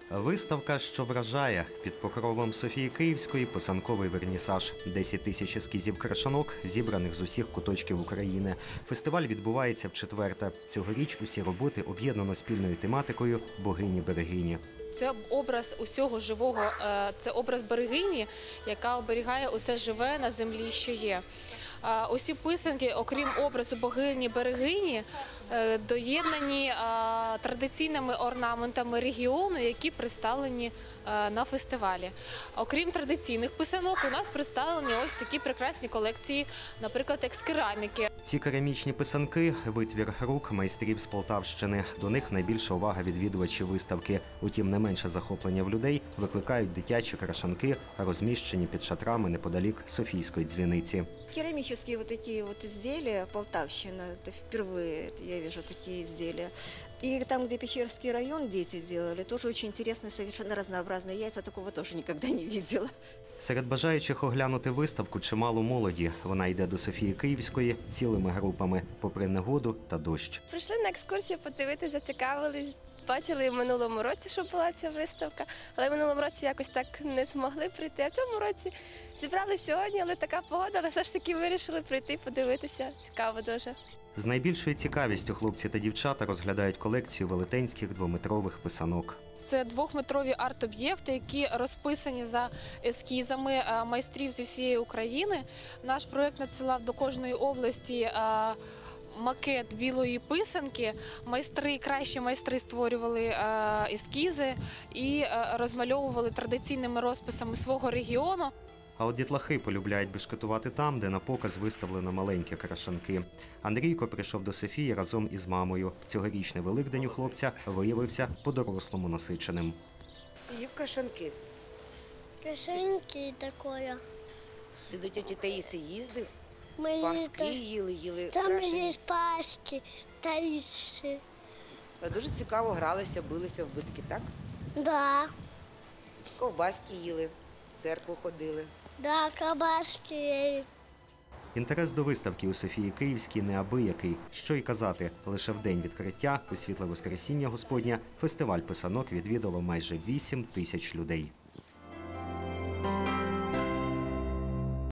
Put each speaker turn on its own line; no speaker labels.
Виставка, що вражає. Під покровом Софії Київської писанковий вернісаж. 10 тисяч ескізів крашанок, зібраних з усіх куточків України. Фестиваль відбувається вчетверте. Цьогоріч усі роботи об'єднано спільною тематикою «Богині-берегині».
Це образ усього живого, це образ берегині, яка оберігає усе живе на землі, що є. Усі писанки, окрім образу богині-берегині, доєднані традиційними орнаментами регіону, які представлені на фестивалі. Окрім традиційних писанок, у нас представлені ось такі прекрасні колекції, наприклад, екс-кераміки.
Ці керамічні писанки – витвір рук майстрів з Полтавщини. До них найбільша увага відвідувачів виставки. Утім, не менше захоплення в людей викликають дитячі крашанки, розміщені під шатрами неподалік Софійської дзвіниці.
Керамические вот такие вот изделия, Полтавщина, это впервые я вижу такие изделия. И там, где Печерский район дети делали, тоже очень интересные, совершенно разнообразные яйца, такого тоже никогда не видела.
Серед бажаючих оглянути виставку чимало молоді. Вона йде до Софії Київської цілими групами, попри негоду та дощ.
Прийшли на екскурсію подивитися, зацікавились. Бачили в минулому році, що була ця виставка, але в минулому році якось так не змогли прийти. А в цьому році зібрали сьогодні, але така погода, але все ж таки вирішили прийти, подивитися. Цікаво дуже.
З найбільшою цікавістю хлопці та дівчата розглядають колекцію велетенських двометрових писанок.
Це двохметрові арт-об'єкти, які розписані за ескізами майстрів зі всієї України. Наш проєкт надсилав до кожної області макет білої писанки. Кращі майстри створювали ескізи і розмальовували традиційними розписами свого регіону.
А от дітлахи полюбляють бешкетувати там, де на показ виставлено маленькі крашанки. Андрійко прийшов до Софії разом із мамою. Цьогорічний Великдень у хлопця виявився по-дорослому насиченим.
І в крашанки.
Крашенки такое.
Ти до тіті Таїси їздив?
Ми
Паски їли
там
крашені.
є паски, таїси.
Дуже цікаво гралися, билися в битки, так?
Да,
Ковбаски їли, в церкву ходили.
да, кабашки.
Інтерес до виставки у Софії Київській неабиякий. Що й казати, лише в день відкриття, у світле Воскресіння Господня, фестиваль писанок відвідало майже 8 тисяч людей.